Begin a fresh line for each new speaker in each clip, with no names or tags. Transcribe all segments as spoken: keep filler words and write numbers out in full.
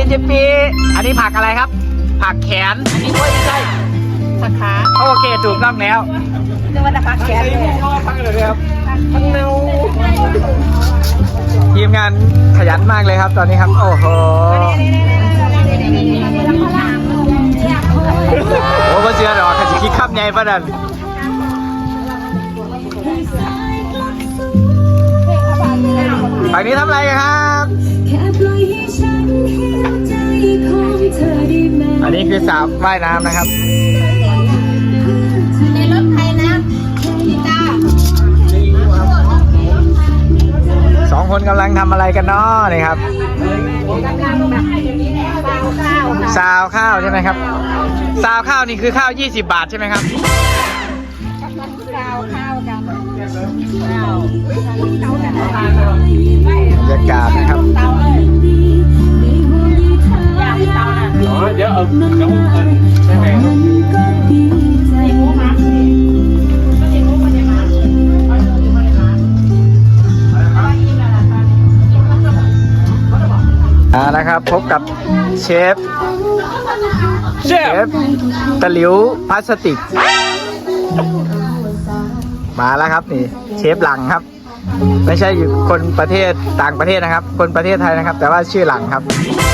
เจปีอันนี้ผักอะไรครับ ผักแขนอันนี้ไม่ใช่ผักขาโอเคถูกต้องแล้วจะว่าแต่ผักแขนเลยผักเลยครับผักเนาทีมงานขยันมากเลยครับตอนนี้ครับโอ้โหโอ้ก็เชื่อหรอกขจิคิดขับไงประดันฝั่งนี้ทำอะไรกันครับอันนี้คือสระว่ายน้ำนะครับ
ในรถไทยนะพี่ตา
สองคนกำลังทำอะไรกันเนาะนี่ครับซาวข้าวใช่ไหมครับซาวข้าวนี่คือข้าวยี่สิบบาทใช่ไหมครับ
ซาวข้าวกัน
บรรยากาศนะครับ
อ๋อเดี๋ยวเอาเดี๋ยวใช่ไหม
อ่านะครับพบกับเชฟเชฟตะหลิวพลาสติกมาแล้วครับนี่เชฟหลังครับไม่ใช่อยู่คนประเทศต่างประเทศนะครับคนประเทศไทยนะครับแต่ว่าชื่อหลังครับ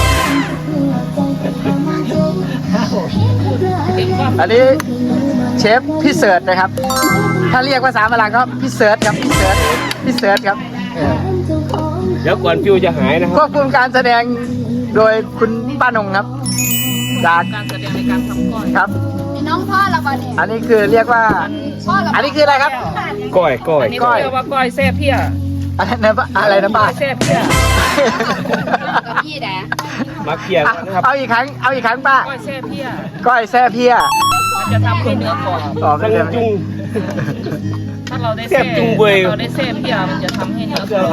อันนี้เชฟพี่เสิร์ชนะครับถ้าเรียกภาษาฝรั่งก็พี่เสิร์ชครับพี่เสิร์ชพี่เสิร์ชครับ
เดี๋ยวก่อนฟิวจะหายนะค
ค
รั
ว
บบ
คุมการแสดงโดยคุณป้านงครับจาก
การแสดงในการทำก้อย
ครับ
มีน้องพ่อละวันนี้
อันนี้คือเรียกว่า
พ่อละ
อันนี้คืออะไรครับ
ก้อยก้อย
อันนี้เขาเรียกว่าก้อยแซ่เพี้ย
อะไรนะป้าอะไรนะป้า
ก้อยแซ่เพี้ย
กับพี่แดด
มาเคลียร์นะครับ
เอาอีกครั้งเอาอีกครั้งป้า
ก้อยแซ่เพี้ย
ก้อยแซ่เพี้ย
มันจะทำให้เนื้อกรอบ
ต่อไป
ตั้ง
เลย
จุง
ถ้าเราได้
แซ่บจุงเว้ย
เราได้แซ่เพี้ยมันจะทำให้เนื้อกรอบ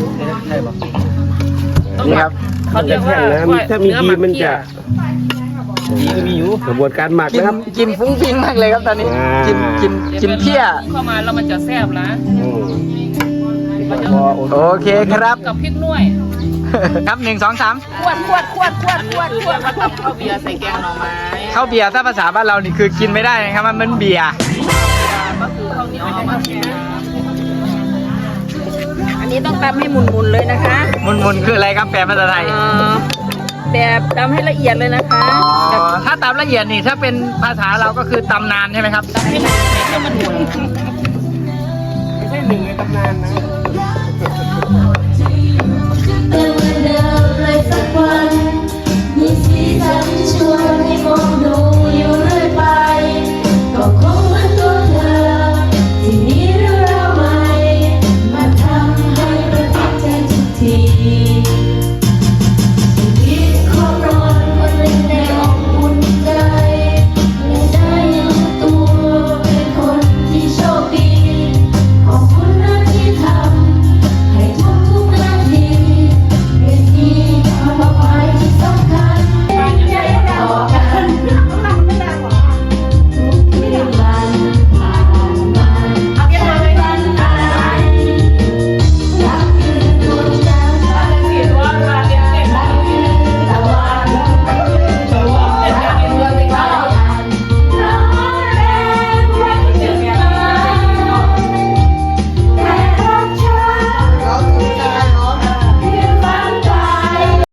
นี่ครับ
เขาเรียกว่า
ถ้ามีดีมันจะ
ดีก็มีอยู่
กระบวนการหมัก
กิน
นะครับ
กินฟุ้งฟิ้งมากเลยครับตอนนี้
อ่า
กินกินกินเพี้ย
เข้ามาแล้วมันจะแซ่บนะ
อืม
มันจะ
โอเคครับ
กับพริกหน่วย
ครับหนึ่งสองสาม
ขวดขวดขวดขวดขวด
คือ
ขว
เรีย
ด
กว่าตำข้าวเบียร์ใส่แกงหน่อไม้
ข้าวเบียร์ถ้าภาษาบ้านเรานี่คือกินไม่ได้นะครับมันมันเบียร์
ก็คือข้าวเหนียวเอามาแช่น้
อันนี้ต้องตำให้หมุนๆเลยนะคะ
มุนมุนคืออะไรครับแปลภาษาไทย
เอ่อแบบตำให้ละเอียดเลยนะคะ
อ๋อถ้าตำละเอียดนี่ถ้าเป็นภาษาเราก็คือตำนานใช่ไหมครับ
ำให้มันให้มันหมุน
ไม่ใช่หนึ่งในตำนานนะ